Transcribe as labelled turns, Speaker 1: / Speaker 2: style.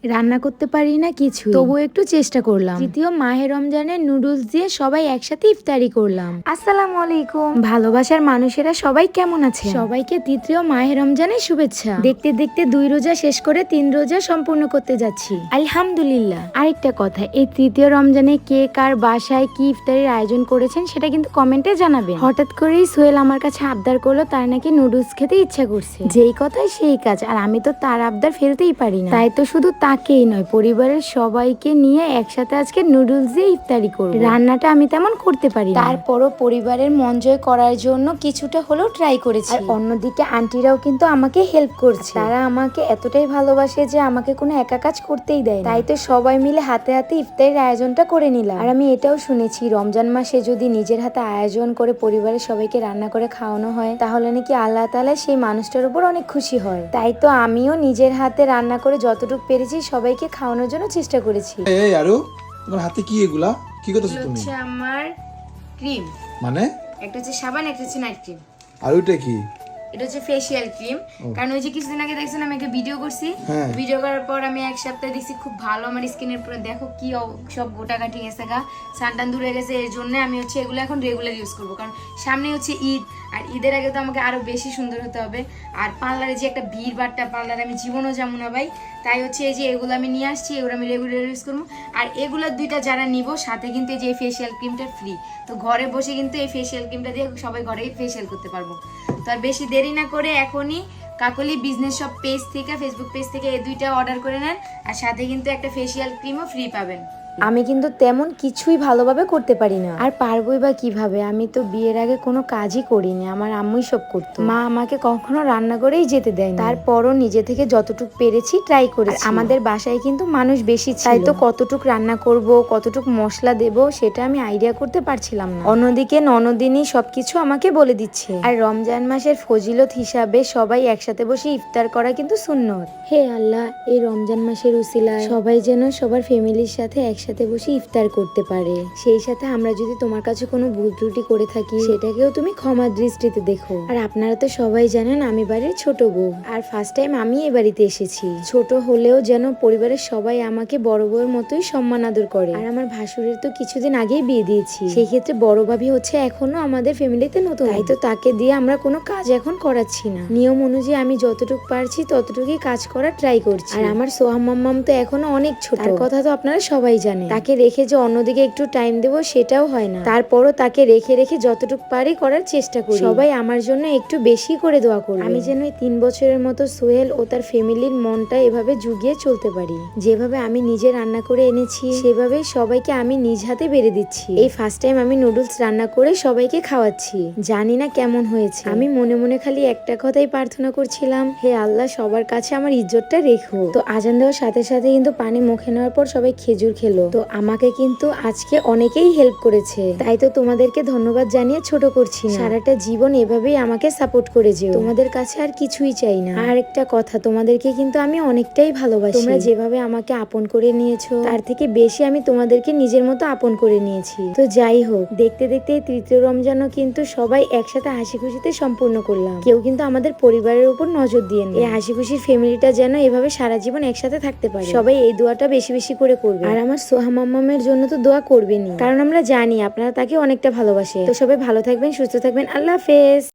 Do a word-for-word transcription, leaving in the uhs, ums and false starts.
Speaker 1: রান্না করতে পারি না কিছু, তবুও একটু চেষ্টা করলাম। তৃতীয় মাহে রমজানের নুডলস দিয়ে সবাই একসাথে ইফতারি করলাম। আসসালামু আলাইকুম ভালোবাসার মানুষেরা, সবাই কেমন আছে? সবাইকে তৃতীয় মাহে রমজানের শুভেচ্ছা। দেখতে দেখতে দুই রোজা শেষ করে তিন রোজা সম্পূর্ণ করতে যাচ্ছি, আলহামদুলিল্লাহ। আরেকটা কথা, এই তৃতীয় রমজানে কে কার বাসায় কি ইফতারির আয়োজন করেছেন সেটা কিন্তু কমেন্টে জানাবেন। হঠাৎ করেই সোহেল আমার কাছে আবদার করলো তার নাকি নুডলস খেতে ইচ্ছা করছে। যেই কথাই সেই কাজ, আর আমি তো তার আবদার ফেলতেই পারি না। তাই তো শুধু তাকেই নয়, পরিবারের সবাইকে নিয়ে একসাথে আজকে নুডলস দিয়ে ইফতারি করব। রান্নাটা আমি তেমন করতে পারি না, তারপরও পরিবারের মন জয় করার জন্য কিছুটা হলেও ট্রাই করেছি। আর অন্যদিকে আন্টিরাও কিন্তু আমাকে হেল্প করছে। তারা আমাকে এতটাই ভালোবাসে যে আমাকে কোনো একা কাজ করতেই দেয় না। তাই তো সবাই মিলে হাতে হাতে ইফতারির আয়োজনটা করে নিলাম। আর আমি এটাও শুনেছি রমজান মাসে যদি নিজের হাতে আয়োজন করে পরিবারের সবাইকে রান্না করে খাওয়ানো হয় তাহলে নাকি আল্লাহ তাআলা সেই মানুষটার উপর অনেক খুশি হয়। তাই তো আমিও নিজের হাতে রান্না করে যতটুকু পেরেছি সবাইকে খাওয়ানোর জন্য চেষ্টা করেছি।
Speaker 2: এই আরো তোমার হাতে কি এগুলা? কি করতেছো তুমি?
Speaker 3: হচ্ছে আমার ক্রিম,
Speaker 2: মানে
Speaker 3: একটা হচ্ছে সাবান, একটা হচ্ছে নাইট ক্রিম।
Speaker 2: আর ওইটা কি?
Speaker 3: এটা হচ্ছে ফেসিয়াল ক্রিম। কারণ ওই যে কিছুদিন আগে দেখছেন আমি একটা ভিডিও করছি,
Speaker 2: হ্যাঁ।
Speaker 3: ভিডিও করার পর আমি এক সপ্তাহে দেখছি খুব ভালো আমার স্কিনের উপরে, দেখো কি অব- সব গোটা কাটি গেছে গা, সানটান দূরে গেছে। এর জন্য আমি হচ্ছে এগুলো এখন রেগুলার ইউজ করবো, কারণ সামনে হচ্ছে ঈদ, আর ঈদের আগে তো আমাকে আরো বেশি সুন্দর হতে হবে। আর পার্লারে যে একটা ভিড় বাট্টা, পার্লারে আমি জীবনও যাবো না ভাই। তাই হচ্ছে এই যে এগুলো আমি নিয়ে আসছি, এগুলো আমি রেগুলার ইউজ করবো। আর এগুলোর দুইটা যারা নিব সাথে কিন্তু এই যে ফেসিয়াল ক্রিমটা ফ্রি। তো ঘরে বসে কিন্তু এই ফেসিয়াল ক্রিমটা দিয়ে সবাই ঘরেই ফেসিয়াল করতে পারবো। তো আর বেশি দেরি না করে এখনই কাকলি বিজনেস শপ পেজ থেকে, ফেসবুক পেজ থেকে এই দুইটা অর্ডার করে নেন, আর সাথে কিন্তু একটা ফেসিয়াল ক্রিমও ফ্রি পাবেন।
Speaker 1: আমি কিন্তু তেমন কিছুই ভালোভাবে করতে পারি না, আর পারবোই বা কিভাবে? আমি তো বিয়ের আগে কোনো কাজই করিনি, আমার আম্মুই সব করতো। মা আমাকে কখনো রান্না করেই যেতে দেয় না, তারপরও নিজে থেকে যতটুকু পেরেছি ট্রাই করেছি। আমাদের বাসায় কিন্তু মানুষ বেশি ছিল, তাই তো কতটুক রান্না করব, কতটুক মশলা দেব সেটা আমি আইডিয়া করতে পারছিলাম না। অন্যদিকে ননদিনী সবকিছু আমাকে বলে দিচ্ছে। আর রমজান মাসের ফজিলত হিসাবে সবাই একসাথে বসে ইফতার করা কিন্তু সুন্নত। হে আল্লাহ, এই রমজান মাসের উসিলায় সবাই যেন সবার ফ্যামিলির সাথে একসাথে বসে ইফতার করতে পারে। সেই সাথে আমরা যদি তোমার কাছে কোনো ভুল ত্রুটি করে থাকি সেটাকেও তুমি ক্ষমা দৃষ্টিতে দেখো। আর আপনারা তো সবাই জানেন আমি বাড়ির ছোট বউ, আর ফার্স্ট টাইম আমি এ বাড়িতে এসেছি। ছোট হলেও যেন পরিবারের সবাই আমাকে বড় বউয়ের মতোই সম্মান আদর করে। আর আমার ভাসুরের তো কিছুদিন আগেই বিয়ে দিয়েছি, সেই ক্ষেত্রে বড় ভাবি হচ্ছে এখনো আমাদের ফ্যামিলিতে নতুন, তাই তো তাকে দিয়ে আমরা কোনো কাজ এখন করাচ্ছি না। নিয়ম অনুযায়ী আমি যতটুকু পারছি ততটুকুই কাজ করার ট্রাই করছি। আর আমার সোহাম মাম্মাম তো এখনো অনেক ছোট, তার কথা তো আপনারা সবাই জানেন। তাকে রেখে যে অন্যদিকে একটু টাইম দেবো সেটাও হয় না, তারপরও তাকে রেখে রেখে যতটুকু পারি করার চেষ্টা করি। সবাই আমার জন্য একটু বেশি করে দোয়া করবে, আমি যেন এই তিন বছরের মতো সোহেল ও তার ফ্যামিলির মনটা এভাবে জুগিয়ে চলতে পারি। যেভাবে আমি নিজে রান্না করে এনেছি সেভাবে সবাইকে আমি নিজ হাতে বেড়ে দিচ্ছি। এই ফার্স্ট টাইম আমি নুডলস রান্না করে সবাইকে খাওয়াচ্ছি, জানি না কেমন হয়েছে। আমি মনে মনে খালি একটা কথাই প্রার্থনা করছিলাম, হে আল্লাহ সবার কাছে আমার ইজ্জতটা রেখো। তো আজান দেওয়ার সাথে সাথে কিন্তু পানি মুখে নেওয়ার পর সবাই খেজুর খেলো। তো আমাকে কিন্তু আজকে অনেকেই হেল্প করেছে, তাই তো তোমাদেরকে ধন্যবাদ জানিয়ে ছোট করছি না। সারাটা জীবন এভাবেই আমাকে সাপোর্ট করে যেও, তোমাদের কাছে আর কিছুই চাই না। আর একটা কথা, তোমাদেরকে কিন্তু আমি অনেকটাই ভালোবাসি। তোমরা যেভাবে আমাকে আপন করে নিয়েছো তার থেকে বেশি আমি তোমাদেরকে নিজের মতো আপন করে নিয়েছি। তো যাই হোক, দেখতে দেখতে তৃতীয় রমজানও কিন্তু সবাই একসাথে হাসি খুশিতে সম্পূর্ণ করলাম। কেউ কিন্তু আমাদের পরিবারের উপর নজর দিয়ে না। এই হাসি খুশির ফ্যামিলিটা যেন এভাবে সারা জীবন একসাথে থাকতে পারে। সবাই এই দোয়াটা বেশি বেশি করে করবে, আর আমার সোহা মাম্মামের জন্য তো দোয়া করবেনই, কারণ আমরা জানি আপনারা তাকে অনেকটা ভালোবাসে। তো সবাই ভালো থাকবেন, সুস্থ থাকবেন, আল্লাহ হাফেজ।